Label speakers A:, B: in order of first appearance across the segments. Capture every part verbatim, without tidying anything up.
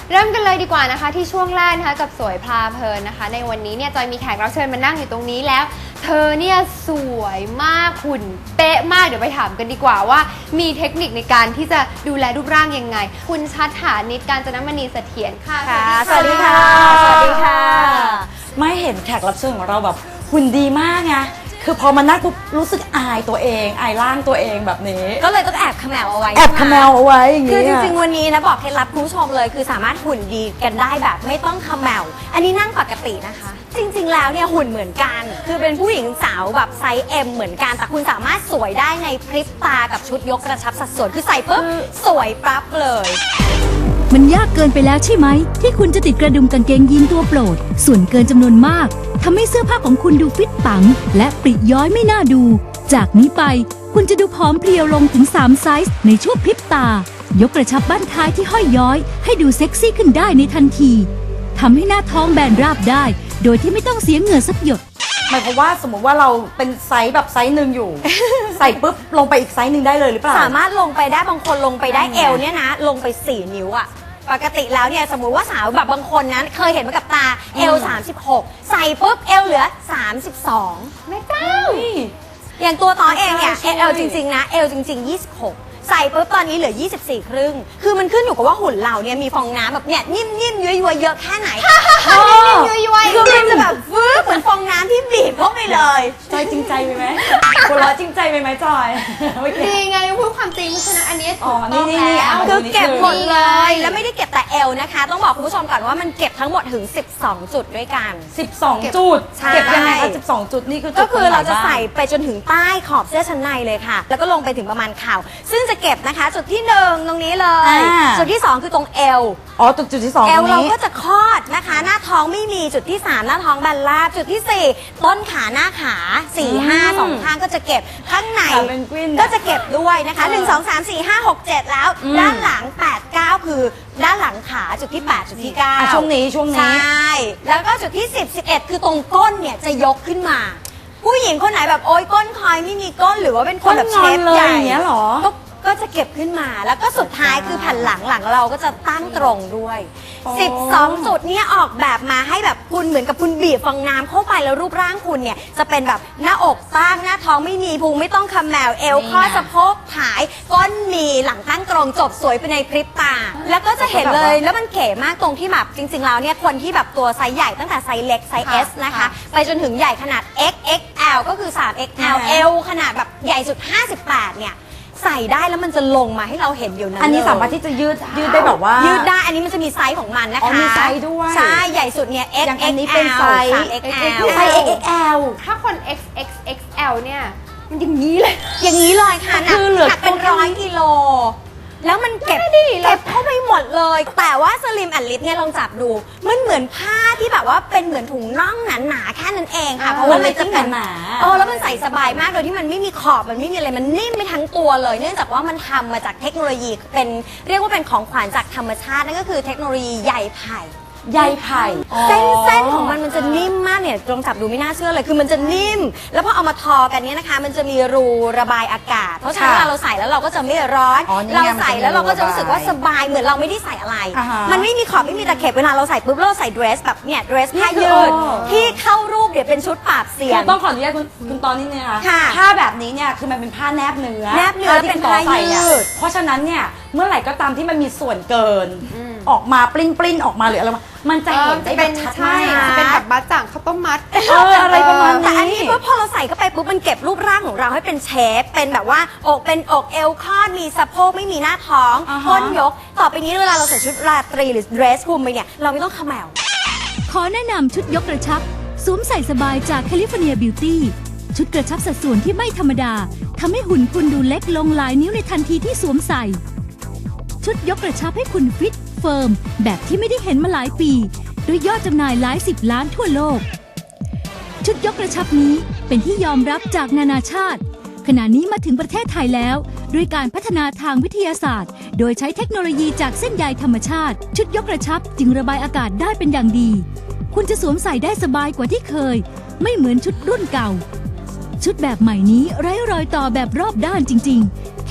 A: เริ่มกันเลยดีกว่านะคะที่ช่วงแรกนะคะกับสวยพลาเพลินนะคะในวันนี้เนี่ยจอยมีแขกรับเชิญมานั่งอยู่ตรงนี้แล้วเธอเนี่ยสวยมากหุ่นเป๊ะมากเดี๋ยวไปถามกันดีกว่าว่ามีเทคนิคในการที่จะดูแลรูปร่างยังไงคุณชัดฐานิช กาญจนมณีเสถียรค่ะ
B: สวัสดีค่ะสวัสดีค่ะไม่เห็นแขกรับเชิญของเราแบบหุ่นดีมากไงคือพอมานั่งปุ๊บรู้สึกอายตัวเองอายร่างตัวเองแบบนี้
C: ก็เลยต้องแอบขมวเอาไว้
B: แอบขมวเอาไว้อย่าง
C: คือ
B: นี้
C: จริงๆวันนี้นะบอกเคล็ดลับคุณผู้ชมเลยคือสามารถหุ่นดีกันได้แบบไม่ต้องขมวอันนี้นั่งปกตินะคะ จริงๆแล้วเนี่ยหุ่นเหมือนกันคือเป็นผู้หญิงสาวแบบไซส์ M เหมือนกันแต่คุณสามารถสวยได้ในพริบตากับชุดยกกระชับสัดส่วนคือใส่ปุ๊บสวยปั๊บเลย
D: มันยากเกินไปแล้วใช่ไหมที่คุณจะติดกระดุมกางเกงยีนตัวโปรดส่วนเกินจำนวนมากทำให้เสื้อผ้าของคุณดูฟิตปังและปริย้อยไม่น่าดูจากนี้ไปคุณจะดูผอมเพรียวลงถึงสามไซส์ในช่วงพริบตายกกระชับบั้นท้ายที่ห้อยย้อยให้ดูเซ็กซี่ขึ้นได้ในทันทีทำให้หน้าท้องแบนราบได้โดยที่ไม่ต้องเสียเหงื่อสักหยด
B: หมายความว่าสมมติว่าเราเป็นไซส์แบบไซส์หนึ่งอยู่ ใส่ปุ๊บลงไปอีกไซส์หนึ่งได้เลยหรือเปล่า
C: สามารถลงไปได้บางคนลงไปได้เอวเนี่ยนะลงไปสี่นิ้วอะปกติแล้วเนี่ยสมมุติว่าสาวแบบบางคนนั้นเคยเห็นมากับตาเอวสามสิบหกใส่ปุ๊บเอวเหลือสามสิบสองแม่เจ้าอย่างตัวต่อเองเนี่ยเอวจริงๆนะเอวจริงๆยี่สิบหกใส่ปุ๊บตอนนี้เหลือยี่สิบสี่ครึ่งคือมันขึ้นอยู่กับว่าหุ่นเราเนี่ยมีฟองน้ำแบบเนี่ยนิ่มๆย้อยๆเยอะแค่ไหนนิ่มๆย้อยๆคือมันจะแบบฟื้นเหมือนฟองน้ำที่บีบเข้าไปเลย
B: จอยจริงใจไปไหมหัวเราะจริงใจไปไหมจอย
A: ดีไงพูดความจริงเพราะฉะนั้นอันนี้ถูก
B: ต้องแล้ว
C: คือเก็บหมดเลยแล้วไม่ได้เก็บแต่เอวนะคะต้องบอกคุณผู้ชมก่อนว่ามันเก็บทั้งหมดถึงสิบสองจุดด้วยกัน
B: สิบสองจุดเก็บยังไงคะสิบสองจุดนี่คือ
C: ก็คือเราจะใส่ไปจนถึงใต้ขอบเสื้อชั้นในเลยค่ะแล้วก็ลงไปถึงประมาณเข่าซึ่งจะเก็บนะคะจุดที่หนึ่งตรงนี้เลยจุดที่สองคือตรงเอว
B: อ๋อจุดจุดที่สอง
C: เอวเราก็จะคลอดนะคะหน้าท้องไม่มีจุดที่สามหน้าท้องแบนราบจุดที่สี่ต้นขาหน้าขาสี่ห้าสองข้างก็จะเก็บข้างในก็จะเก็บด้วยนะคะหนึ่งสองสามสี่ห้าหกเจ็ดแล้วด้านหลังแปดเก้าคือด้านหลังขาจุดที่แปดจุดที่เก้า
B: ช่วงนี้ช่วงนี้
C: ใช่แล้วก็จุดที่สิบ สิบเอ็ดคือตรงก้นเนี่ยจะยกขึ้นมาผู้หญิงคนไหนแบบโอ๊ยก้นคอยไม่มีก้นหรือว่าเป็นคนแบบเชฟใหญ่
B: อย่างเงี้ยหรอ
C: ก็จะเก็บขึ้นมาแล้วก็สุดท้ายคือแผ่นหลังหลังเราก็จะตั้งตรงด้วยสิบสองจุดนี้ออกแบบมาให้แบบคุณเหมือนกับคุณบีบฟองน้ำเข้าไปแล้วรูปร่างคุณเนี่ยจะเป็นแบบหน้าอกตั้งหน้าท้องไม่มีพุงไม่ต้องคำแมวเอวข้อสะโพกผายก้นมีหลังตั้งตรงจบสวยไปในพริบตาแล้วก็จะเห็นเลยแล้วมันเก๋มากตรงที่แบบจริงๆแล้วเนี่ยคนที่แบบตัวไซส์ใหญ่ตั้งแต่ไซส์เล็กไซส์ S นะคะไปจนถึงใหญ่ขนาด เอ็กซ์ เอ็กซ์ แอล ก็คือ สาม เอ็กซ์ แอล เอวขนาดแบบใหญ่สุดห้าสิบแปดเนี่ยใส่ได้แล้วมันจะลงมาให้เราเห็นอยู่นั้น
B: อันนี้สามารถที่จะยืดยืดได้แบบว่า
C: ยืดได้อันนี้มันจะมีไซส์ของมันนะคะ
B: มีไซส์ด้วย
C: ใช่ใหญ่สุดเนี่ย เอ็กซ์ เอ็กซ์ แอล
B: ไซส์
C: เอ็กซ์ แอล
B: ไซส์ เอ็กซ์ เอ็กซ์ แอล
A: ถ้าคน เอ็กซ์ เอ็กซ์ เอ็กซ์ แอล เนี่ยมันอย่างนี้เลย
C: อย่างนี้เลยค่ะหนักหนักเป็นร้อยกิโลแล้วมันเก็บเก็บเข้าไปหมดเลยแต่ว่าสลิมแอนลิฟเนี่ยลองจับดูมันเหมือนผ้าที่แบบว่าเป็นเหมือนถุงน่องหนาๆแค่นั้นเองค่ะเพราะว่ามันจะหนาๆเออแล้วมันใส่สบายมากโดยที่มันไม่มีขอบมันไม่มีอะไรมันนิ่มไปทั้งตัวเลยเนื่องจากว่ามันทำมาจากเทคโนโลยีเป็นเรียกว่าเป็นของขวัญจากธรรมชาตินั่นก็คือเทคโนโลยีใยไผ่
B: ใยไผ่
C: เส้นเส้นของมันมันจะนิ่มมากเนี่ยลองจับดูไม่น่าเชื่อเลยคือมันจะนิ่มแล้วพอเอามาทอกันเนี่ยนะคะมันจะมีรูระบายอากาศเพราะฉะนั้นเราใส่แล้วเราก็จะไม่ร้อนเราใส่แล้วเราก็จะรู้สึกว่าสบายเหมือนเราไม่ได้ใส่อะไรมันไม่มีขอบไม่มีตะเข็บเวลาเราใส่ปุ๊บเราใส่เดรสแบบเนี่ยเดรสผ้ายืดที่เข้ารูปเดี๋ยวเป็นชุดปราบเซียน
B: ต้องขออนุญาตคุณคุณตอนนี้เนี่ยค่ะผ้าแบบนี้เนี่ยคือมันเป็นผ้าแนบเนื้อ
C: แนบเนื้อเป็นผ้ายืด
B: เพราะฉะนั้นเนี่ยเมื่อไหร่ก็ตามที่มันมีส่วนเกินออกมาปลิ้นปลิ้นออกมาหรืออะไรมันจะเห็นได้แบบชัดมาก
A: จะเป็นแบบบะจ่างข้าวต้มมัด
B: เอออะไรประมาณนี้
C: แต่อันนี้พอเราใส่เข้าไปปุ๊บมันเก็บรูปร่างของเราให้เป็นเชฟเป็นแบบว่าอกเป็นอกเอวคอดมีสะโพกไม่มีหน้าท้องก้นยกต่อไปนี้เวลาเราใส่ชุดราตรีหรือเดรสคลุมไปเนี่ยเราไม่ต้องขมแมว
D: ขอแนะนำชุดยกกระชับสวมใส่สบายจากแคลิฟอร์เนียบิวตี้ชุดกระชับสัดส่วนที่ไม่ธรรมดาทำให้หุ่นคุณดูเล็กลงหลายนิ้วในทันทีที่สวมใส่ชุดยกกระชับให้คุณฟิตเฟิร์มแบบที่ไม่ได้เห็นมาหลายปีด้วยยอดจำหน่ายหลายสิบล้านทั่วโลกชุดยกกระชับนี้เป็นที่ยอมรับจากนานาชาติขณะนี้มาถึงประเทศไทยแล้วด้วยการพัฒนาทางวิทยาศาสตร์โดยใช้เทคโนโลยีจากเส้นใยธรรมชาติชุดยกกระชับจึงระบายอากาศได้เป็นอย่างดีคุณจะสวมใส่ได้สบายกว่าที่เคยไม่เหมือนชุดรุ่นเก่าชุดแบบใหม่นี้ไร้รอยต่อแบบรอบด้านจริงๆแค่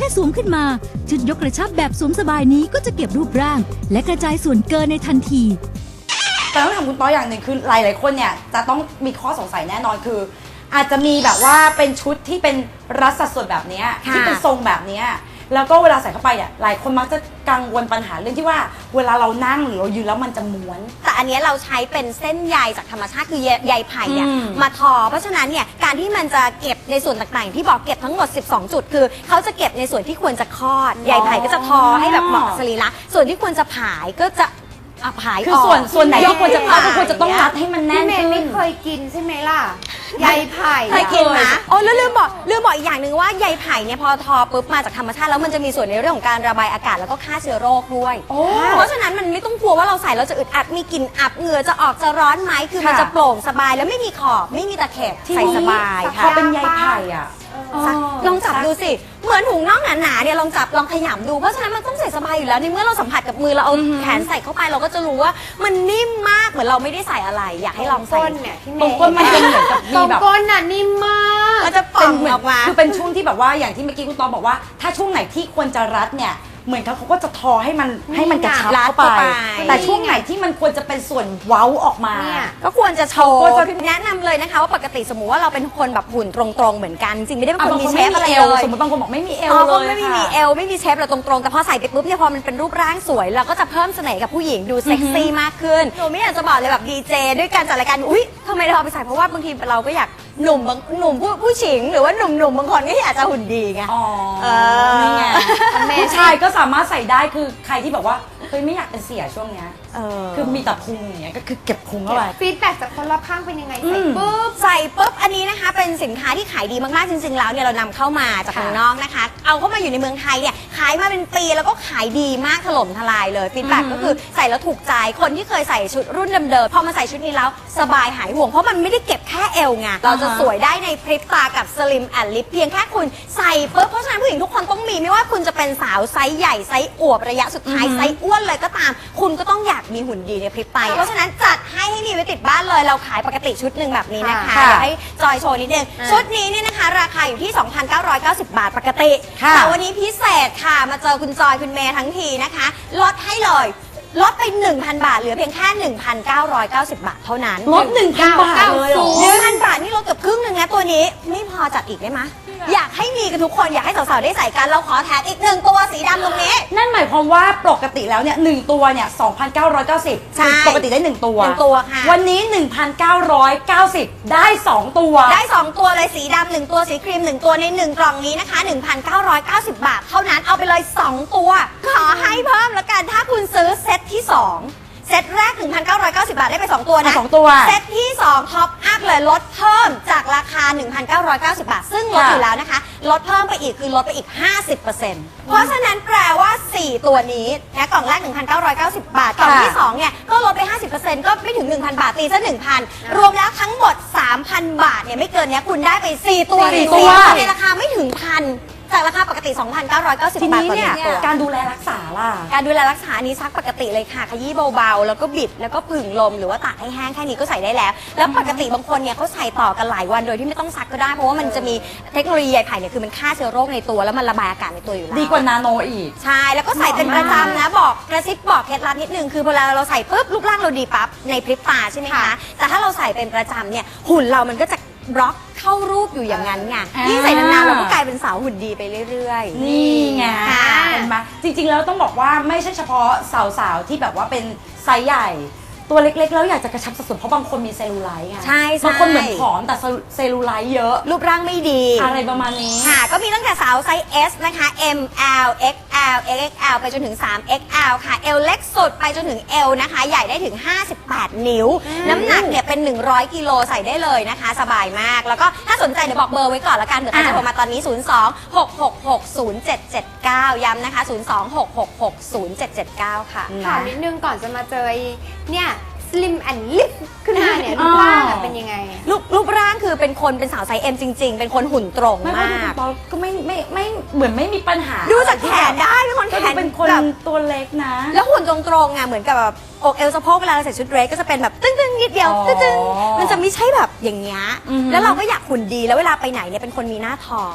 D: ค่สวมขึ้นมาชุดยกกระชับแบบสวมสบายนี้ก็จะเก็บรูปร่าง และกระจายส่วนเกินในทันที
B: แต่ต้องถามคุณต้อยอย่างหนึ่งคือหลายๆคนเนี่ยจะต้องมีข้อสงสัยแน่นอนคือ อาจจะมีแบบว่าเป็นชุดที่เป็นรัดสัดส่วนแบบเนี้ย
C: ค่ะ
B: ที่เป็นทรงแบบเนี้ยแล้วก็เวลาใส่เข้าไปเนี่ยหลายคนมักจะกังวลปัญหาเรื่องที่ว่าเวลาเรานั่งหรือเรายืนแล้วมันจะม้วน
C: แต่อันเนี้ยเราใช้เป็นเส้นใยจากธรรมชาติคือใยใยไผ่เนี่ย
B: อืม
C: มาทอ เพราะฉะนั้นเนี่ยการที่มันจะเก็บในส่วนต่างๆ ที่บอกเก็บทั้งหมด สิบสอง จุดคือเขาจะเก็บในส่วนที่ควรจะคลอดใยไผ่ก็จะทอให้แบบเหมาะกับสรีระส่วนที่ควรจะผายก็จะอ่ะผาย
B: คือส่วน
C: ก
B: ส่วนไหนที่ควรจะ
C: ย
B: เข้าก
C: ผาย
B: ก็ควรจะต้องรัดให้มันแน่
A: พี่
B: น
A: เมย์
B: ขึ้
A: ไม่
B: น
A: เคยกินใช่ไหมล่ะใยไผ่
C: เคยกินนะโอ้แล้วลืมบอกลืมบอกอีกอย่างหนึ่งว่าใยไผ่เนี่ยพอทอปุ๊บมาจากธรรมชาติแล้วมันจะมีส่วนในเรื่องของการระบายอากาศแล้วก็ฆ่าเชื้อโรคด้วย
B: โอ้
C: เพราะฉะนั้นมันไม่ต้องกลัวว่าเราใส่แล้วจะอึดอัดมีกลิ่นอับเหงื่อจะออกจะร้อนไหมคือมัน
B: ค่ะ
C: จะโปร่งสบายแล้วไม่มีขอบไม่มีตะเข็บใส่สบาย
B: พ
C: ค่ะ
B: อเป็นใยไผ่อ่ะ
C: ซักลองจับดูสิ เหมือนถุงน่องหนาๆเนี่ยลองจับลองขยำดูเพราะฉะนั้นมันต้องใส่สบายอยู่แล้วในเมื่อเราสัมผัสกับมือเราเอาแขนใส่เข้าไปเราก็จะรู้ว่ามันนิ่มมากเหมือนเราไม่ได้ใส่อะไร อยากให้ลองใส่
A: ก้นเนี่ยพี่เม
B: ตรง
A: ย์
B: ก้นมันจะเหมือนกับ
A: ต
B: มี
A: รง
B: แบบ
A: ก้นน่ะนิ่มมาก
C: มันจะป่
B: เป็
C: อน ง
B: เหมือน
C: ออกมา
B: คือเป็นช่วงที่แบบว่าอย่างที่เมื่อกี้คุณตอบอกว่า ถ้าช่วงไหนที่ควรจะรัดเนี่ยเหมือนเขาเขาก็จะทอให้มันให้มันกระชับ
C: รัด
B: เข้าไป
C: เข้าไป
B: แต่ช่วงไหนที่มันควรจะเป็นส่วนเว้าออกมา
A: เนี่ย
C: ก็ควรจะโชว์
B: ก็จะ
C: แนะนำเลยนะคะว่าปกติสมมุติว่าเราเป็นคนแบบหุ่นตรงๆเหมือนกันจริงๆไม่ได้เป็น
B: อ่ะ
C: คน
B: บาง
C: มี
B: คน
C: เช
B: ไม่
C: ฟ
B: มี
C: อะไร
B: เอ
C: เล
B: วย สมมติบางคนบอกไม่มีเอว
C: อ๋อ
B: เล
C: ก็
B: ย
C: ไม่มี
B: ค่ะ
C: มีเอลไม่มีเชฟเราตรงๆแต่พอใส่ไปปุ๊บเนี่ยพอมันเป็นรูปร่างสวยเราก็จะเพิ่มเสน่ห์กับผู้หญิงดูเซ็กซี่มากขึ้นหนูไม่อยากจะบอกเลยแบบดีเจด้วยการจัดรายการอุ้ยทำไมเราเอาไปใส่เพราะว่าบางทีเราก็อยากหนุ่มบางหนุ่มผู้ผู้หญิงหรือว่าหนุ่มหนุ่มๆบางคนก็อยากจะหุ่นดีไง
B: อ๋อ
C: เออ
B: นี่ไงผู้ชายก็สามารถใส่ได้คือใครที่แบบว่าเฮ้ยไม่อยากเป็นเสียช่วงเนี้ย
C: เออ
B: คือมีแต่พุงอย่างเงี้ยก็คือเก็บพุงเข้าไป
A: ฟีดแบ็กจากคนรอบข้างเป็นยังไง
B: อื
A: ใส่
B: ม
A: ปุ๊บ
C: ใส่ปุ๊บอันนี้นะคะเป็นสินค้าที่ขายดีมากๆจริงๆแล้วเนี่ยเรานำเข้ามาจาก
A: ค่ะ
C: เมืองนอกนะคะ เอาเข้ามาอยู่ในเมืองไทยเนี่ยขายมาเป็นปีแล้วก็ขายดีมากถล่มทลายเลยฟีดแบ็กก็คือใส่แล้วถูกใจคนที่เคยใส่ชุดรุ่นเดิมๆพอมาใส่ชุดนี้แล้วสบายหายห่วงเพราะมันไม่ได้เก็บแค่เอวไงเราจะสวยได้ในพริบตากับ Slim and Lip เพียงแค่คุณใส่ปุ๊บเพราะฉะนั้นผู้หญิงทุกคนต้องมีไม่ว่าคุณจะเป็นสาวไซส์ใหญ่ไซส์อวบระยะสุดท้ายไซส์อ้วนเลยก็ตาม คุณก็ต้องอยากมีหุ่นดีในพริบตาเพราะฉะนั้นจัดให้ให้มีไว้ติดบ้านเลยเราขายปกติชุดหนึ่งแบบนี้นะคะ
B: ค่ะ
C: เดี๋ยวให้จอยโชว์นิดนึง
A: อ่า
C: ชุดนี้เนี่ยนะคะ ราคาอยู่ที่ สองพันเก้าร้อยเก้าสิบ บาทปกติ
B: ค่ะ
C: แต่วันนี้พิเศษค่ะ มาเจอคุณจอยคุณเมย์ทั้งทีนะคะลดให้เลยลดไป หนึ่งพัน บาทเหลือเพียงแค่ หนึ่งพันเก้าร้อยเก้าสิบ บาทเท่านั้น
B: ลดหนึ่งพันบาทเลยเหรอ
C: หนึ่งพันบาทนี่ลดเกือบครึ่งหนึ่งนะตัวนี้ไม่พอจัดอีกได้ไหมอยากให้มีกันทุกคนอยากให้สาวๆได้ใส่กันเราขอแถมอีกหนึ่งตัวสีดำตรงนี้
B: นั่นหมายความว่าปกติแล้วเนี่ยหนึ่งตัวเนี่ยสองพันเก้าร้อยเก้าสิบ
C: ใช่
B: ปกติได้หนึ่งตัว
C: หนึ่งตัวค่ะ
B: วันนี้ หนึ่งพันเก้าร้อยเก้าสิบ ได้สองตัว
C: ได้ สอง ตัวเลยสีดำหนึ่งตัวสีครีมหนึ่งตัวในหนึ่งกล่องนี้นะคะ หนึ่งพันเก้าร้อยเก้าสิบ บาท เท่านั้นเอาไปเลย สอง ตัว ขอให้เพิ่มแล้วกันถ้าคุณซื้อเซตที่ สองเซตแรก หนึ่งพันเก้าร้อยเก้าสิบ บาทได้ไป สอง ตัวนะ
B: อ่ะสองตัว
C: เซตที่สองท็อปอัพเลยลดเพิ่มจากราคา หนึ่งพันเก้าร้อยเก้าสิบ บาท ซึ่งลด
B: ค่ะ
C: อยู่แล้วนะคะลดเพิ่มไปอีกคือลดไปอีก ห้าสิบเปอร์เซ็นต์ เพราะฉะนั้นแปลว่า สี่ ตัวนี้นะกล่องแรก หนึ่งพันเก้าร้อยเก้าสิบ บาทกล่องที่สองเนี่ยก็ลดไป ห้าสิบเปอร์เซ็นต์ ก็ไม่ถึง หนึ่งพัน บาทตีซะ หนึ่งพัน รวมแล้วทั้งหมด สามพัน บาทเนี่ยไม่เกินเนี้ยคุณได้ไป สี่ ตัว
B: สี่ตัว
C: ในราคาไม่ถึงพันจากราคาปกติ สองพันเก้าร้อยเก้าสิบ
B: ที
C: บาท
B: นี้
C: ต่อห
B: เนี่
C: นึ่
B: ย
C: งตัว
B: การดูแลรักษาล่ะ
C: การดูแลรักษานี้ซักปกติเลยค่ะขยี้เบาๆ แล้วก็บิดแล้วก็ผึ่งลมหรือว่าตากให้แห้งแค่นี้ก็ใส่ได้แล้ว แล้วปกติบางคนเนี่ยเขาใส่ต่อกันหลายวันโดยที่ไม่ต้องซักก็ได้เพราะว่ามันจะมีเทคโนโลยีใยไผ่เนี่ยคือมันฆ่าเชื้อโรคในตัวแล้วมันระบายอากาศในตัวอยู่แล้ว
B: ดีกว่านาโนอีก
C: ใช่แล้วก็ใส่เป็นประจำนะบอกกระซิบบอกเคล็ดลับนิดนึงคือเวลาเราใส่ปุ๊บรูปร่างเราดีปั๊บในพริบตาใช่ไหมคะ
A: ค่ะ
C: แต่ถ้าเราใส่เป็นประจำเนี่ยหุ่นเรามันก็จะบล็อกเข้ารูปอยู่อย่างนั้นไง
B: อ่ายิ่
C: ยิ่งใส่นานๆเราก็กลายเป็นสาวหุ่นดีไปเรื่อยๆ
B: นี่ไง
C: ค่ะ
B: เห็นไหมจริงๆแล้วต้องบอกว่าไม่ใช่เฉพาะสาวๆที่แบบว่าเป็นไซส์ใหญ่ ตัวเล็กๆแล้วอยากจะกระชับสัดส่วนเพราะบางคนมีเซลลูไลท์ไง
C: ใช่ใช่
B: บางคนเหมือนผอมแต่เซลลูไลท์เยอะ
C: รูปร่างไม่ดี
B: อะไรประมาณนี้
C: ค่ะก็มีตั้งแต่สาวไซส์ S นะคะ M L X L X X L ไปจนถึง สาม เอ็กซ์ แอล ค่ะ L เล็กสุดไปจนถึง L นะคะ ใหญ่ได้ถึง ห้าสิบแปด นิ้ว น้ำหนักเนี่ยเป็น หนึ่งร้อย กิโลใส่ได้เลยนะคะ สบายมาก แล้วก็ถ้าสนใจเดี๋ยวบอกเบอร์ไว้ก่อนละกันเดี๋ยวใครจะโทรมาตอนนี้ ศูนย์ สอง หก หก หก ศูนย์ เจ็ด เจ็ด เก้า ย้ำนะคะ ศูนย์ สอง หก หก หก ศูนย์ เจ็ด เจ็ด เก้า ค่ะ
A: ถามนิดนึงก่อนจะมาเจอไอ้เนี่ย slim and lip ขึ้นมาเนี่ยรูปร่างอะเป็นยังไง
C: รูปรูปร่างคือเป็นคนเป็นสาวไซส์ M จริง ๆ เป็นคนหุ่นตรง
B: ไม่เพราะ
C: มา
B: ดู
C: ก
B: คุณปอก็ไม่ไม่ไม่เหมือนไม่มีปัญหา
C: ดูจากแขนได้เป็นคน
B: ก็
C: แข
B: ดู
C: น
B: เป็นคน
C: แบบ
B: ตัวเล็กนะ
C: แล้วหุ่นตรงๆไงเหมือนกับแบบอกเอวสะโพกเวลาเราใส่ชุดเดรสก็จะเป็นแบบตึ้งๆนิดเดียว
B: อ๋อ
C: ตึ้งๆมันจะไม่ใช่แบบอย่างเงี้ย
B: อือฮึ
C: แล้วเราก็อยากหุ่นดีแล้วเวลาไปไหนเนี่ยเป็นคนมีหน้าท้อง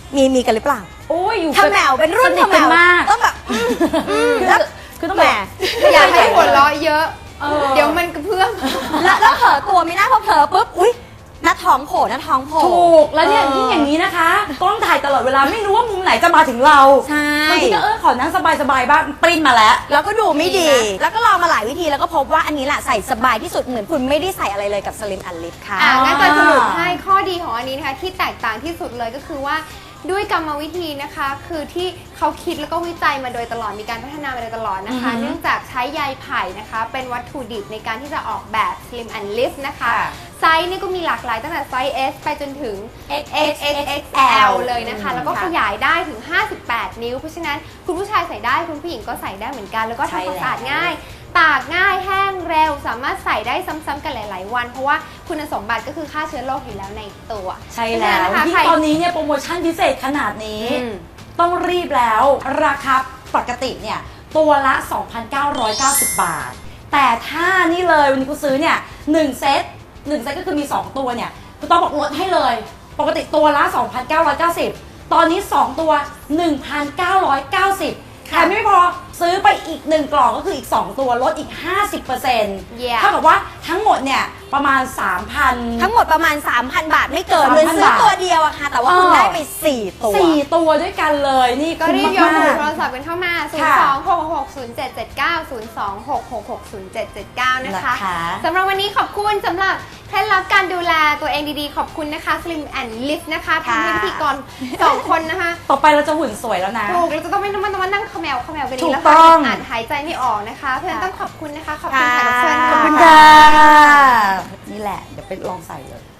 C: มีมีกันหรือเปล่า
B: โอ้ยอยู่
C: ทำแมวเป็นรุ่น
B: ส
C: ทำแม
B: กัน
C: ว
B: มาก
C: ต้องแบบอืมอืม
B: คือ
C: แล้ว
B: คือต้อง
C: แหม
B: แบบ
A: อยากให้หัวเราะเยอะ
B: เออ
A: เดี๋ยวมันกระเพื่อม
C: แล้วแล้วเผลอตัวไม่น่าพอเผลอปุ๊บอุ้ยหน้าท้องโผล่หน้าท้องโผล่
B: ถูกแล้วเนี่ยยิ่งอย่างนี้นะคะกล้องถ่ายตลอดเวลาไม่รู้ว่ามุมไหนจะมาถึงเรา
C: ใช่
B: บางทีก็เออขอนั่งสบายๆบ้างปริ้นมาแล้ว
C: แล้วก็ดูไม่ดี
A: ดีนะ
C: แล้วก็ลองมาหลายวิธีแล้วก็พบว่าอันนี้แหละใส่สบายที่สุดเหมือนคุณไม่ได้ใส่อะไรเลยกับสลิมอันลิฟค่ะ
A: อ่างั้นจอยสรุปให้ข้อดีของอันนี้นะคะที่แตกต่างที่สุดเลยก็คือว่าด้วยกรรมวิธีนะคะ คือที่เขาคิดแล้วก็วิจัยมาโดยตลอดมีการพัฒนามาโดยตลอดนะคะ
B: อือฮึ
A: เนื่องจากใช้ใยไผ่นะคะเป็นวัตถุดิบในการที่จะออกแบบ Slim and Lift นะคะ
B: ค่ะ
A: ไซส์นี่ก็มีหลากหลายตั้งแต่ไซส์ S ไปจนถึง
B: เอ็กซ์
A: เอ็กซ์ เอ็กซ์ เอ็กซ์ แอล เลยนะคะ แล้วก็ขยายได้ถึง ห้าสิบแปด นิ้ว เพราะฉะนั้นคุณผู้ชายใส่ได้คุณผู้หญิงก็ใส่ได้เหมือนกัน แล้วก็
B: ใช่
A: ทำความ
B: แล้ว
A: สะอาดง่าย ตากง่ายแห้งเร็วสามารถใส่ได้ซ้ำๆกันหลาย ๆ วัน เพราะว่าคุณสมบัติก็คือฆ่าเชื้อโรคอยู่แล้วในตัว
B: ใช่แล้ว
A: เพราะฉะนั้นนะคะ
B: ยิ่
A: ใค
B: ง
A: ร
B: ตอนนี้เนี่ยโปรโมชั่นพิเศษขนาดนี้
A: อืม
B: ต้องรีบแล้วราคาปกติเนี่ยตัวละ สองพันเก้าร้อยเก้าสิบ บาท แต่ถ้านี่เลยวันนี้คุณซื้อเนี่ยหนึ่งเซตหนึ่งเซตก็คือมี สอง ตัวเนี่ยคุณต้องบอกลดให้เลย ปกติตัวละ สองพันเก้าร้อยเก้าสิบ ตอนนี้ สอง ตัว หนึ่งพันเก้าร้อยเก้าสิบ แถมไม่พอซื้อไปอีกหนึ่งกล่องก็คืออีก สอง ตัวลดอีก ห้าสิบเปอร์เซ็นต์
A: Yeah
B: เท่ากับว่าทั้งหมดเนี่ยประมาณ สามพัน
C: ทั้งหมดประมาณ สามพัน บาทไม่เกิน
B: สามพัน
C: เลยซื้อบ
B: าท
C: ตัวเดียวอะค่ะ แต่ว่าคุณ
B: เออ
C: ได้ไป สี่ ตัว
B: สี่ตัวด้วยกันเลยนี่
A: ก็
B: คุ้ม
A: รีบยกหู
B: มาก
A: โทรศัพท์กันเข้ามา ศูนย์
B: ค่ะ
A: สอง หก หก ศูนย์ เจ็ด เจ็ด เก้า ศูนย์ สอง หก หก หก ศูนย์ เจ็ด เจ็ด เก้า นะคะ
B: นะคะ
A: สำหรับวันนี้ขอบคุณสำหรับเคล็ดลับการดูแลตัวเองดีๆ ขอบคุณนะคะ Slim and Lift นะคะทำให้พิธีกรสองคนนะคะ
B: ต่อไปเราจะหุ่นสวยแล้วนะ
A: ถูกเราจะต้องไม่ต้องมาต้องมานั่งเขมวเขมวกัน
B: ถู
A: นี้
B: ก
A: แล้ว
B: ต้
A: ค่ะ
B: อง
A: อ่านหายใจไม่ออกนะคะ เพราะฉะนั้นต้องขอบคุณนะคะ ขอบคุณ
C: ค่ะ
A: แขกรับเชิญ
C: ขอบคุณ
B: ค่ะ
C: ค่ะ
B: นี่แหละ เดี๋ยวไปลองใส่เลย